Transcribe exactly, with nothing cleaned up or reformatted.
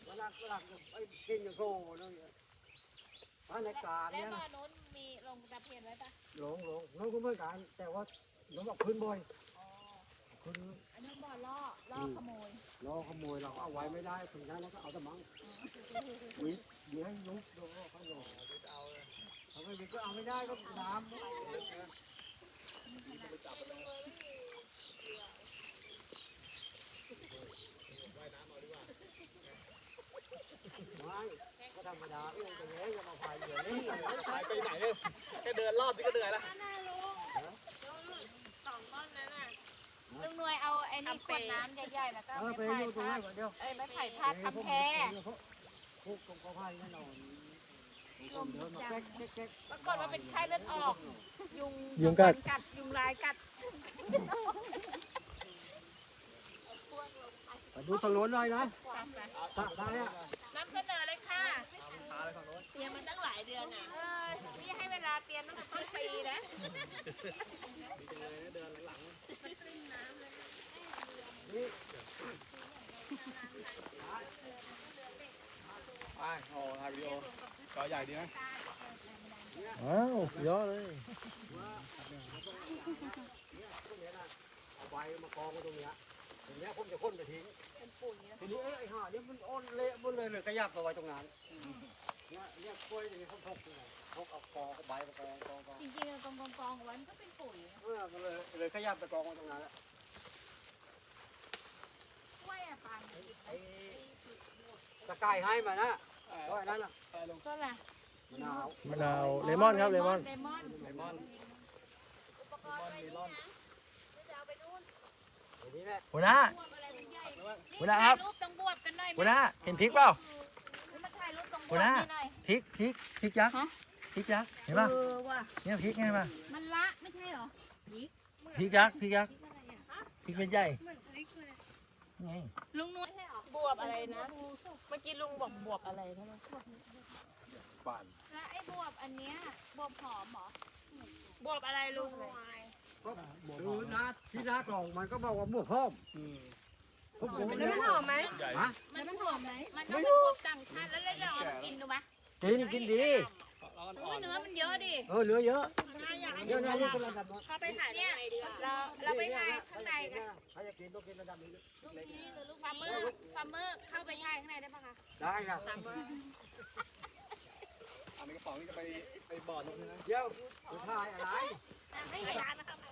เวลาเวลาไอ้กินอย่างโซ่เลยบ้านในการแล้วเนี่ยบ้านโน้นมีลงตะเพียนไว้ปะหลงหลงน้องก็ไม่การแต่ว่าน้องบอกขึ้นบ่อยอ๋อขึ้นอันนี้บ่อล่อล่อขโมยล้อขโมยเราเอาไว้ไม่ได้ถึงนั้นแล้วก็เอาแต่มังวิทย์เดี๋ยวให้ลุกดูเขาหลอกเขาไม่วิทย์ก็เอาไม่ได้ก็น้ำไม่ก็ธรรมดาเรื่องตรงนี้จะมาพายเรือนี่หายไปไหนเลยแค่เดินรอบนี่ก็เหนื่อยแล้วสองต้นนั้นน่ะลุงหน่วยเอาไอ้นี่ขวดน้ำใหญ่ๆแล้วก็เออไปไม้อยู่ตรงไผ่นี้ก่อนเดียวเอ้ยไม้ไผ่พาดทำแพรพวกตรงกอไผ่แน่นอนเดินมาแก๊กแก๊กแก๊กปรากฏว่าเป็นไข้เลือดออก ยุงยุงกัดกัด ยุงลายกัดดูถนนหน่อยนะตะได้อะนำเสนอเลยค่ะเตรียมมาตั้งหลายเดือนอ่ะเออนี่ให้เวลาเตรียมตั้งแต่ต้นปีนะไปโอ้ถ่ายวิดีโอจอใหญ่ดีไหมอ้าวสุดยอดเลยเอาใบมากองไว้ตรงเนี้ยตรงเนี้ยผมจะค้นไปทิ้งทีนี้ไอ้ห่าเนี่ยมันอ้นเละหมดเลยเลยก็ยับเอาไว้ตรงนั้นเนี่ยเนี่ยกล้วยอย่างนี้เขาพกยังไงพกเอากองใบมากองกองกองจริงๆกองกองกองไว้มันก็เป็นปุ๋ยนะเออมันเลยเลยขยับไปกองไว้ตรงนั้นแหละกล้วยอะปันไอ้ตะไคร้ให้มานะก็ไอ้นั่นน่ะก็แหละมะนาวมะนาวเลมอนครับเลมอนเลมอนเลมอนอุปกรณ์ไว้นี่นะจะเอาไปนู่นไอ้นี่แหละหัวหน้าบวบอะไรใหญ่ๆหัวหน้าครับถ่ายรูปต้องบวบกันหน่อยไหมหัวหน้าเห็นพริกเปล่ามาถ่ายรูปต้องบหัววบหน้านี่หน่อยพริกพริกพริกยักษ์ฮะพริกยักษ์เห็นป่ะเออว่ะเนี่ยพริกไงป่ะมันละไม่ใช่เหรอพริกพริกยักษ์พริกยักษ์พริกอะไรอ่ะพริกเป็นใหญ่เหมือนพริกเลยไงลุงนุ้ยใช่เหรอบวบอะไรนะ เมื่อกี้ลุงบอกบวบอะไรนะบ้านแล้วไอ้บวบอันเนี้ยบวบหอมเหรอบวบอะไรลุงก็ดูนะที่หน้ากล่องมันก็บอกว่าบวกเพิ่มอืมผมผมแล้วมันหอมไหมใหญ่ฮะมันมันหอมไหมมันก็เป็นบวบต่างชาติแล้วเราลองกินดูปะกินกินดีร้อนโอ้อ่อย นเนื้อมันเยอะดิเออเหลือเยอะอยากให้เยอะนะนี่เป็นระดับเข้าไปถ่ายเนี่ยในดีกว่าเราเราไปถ่ายข้างในกันใครจะกินต้องกินระดับนี้ลูกนี้หรือลูกฟาร์มเมอร์ฟาร์มเมอร์เข้าไปถ่ายข้างในได้ปะคะได้ครับอันนี้กระป๋องนี่จะไปไปบ่อนกนะเดี๋ยวจะถ่ายอะไรให้ร้านนะครับ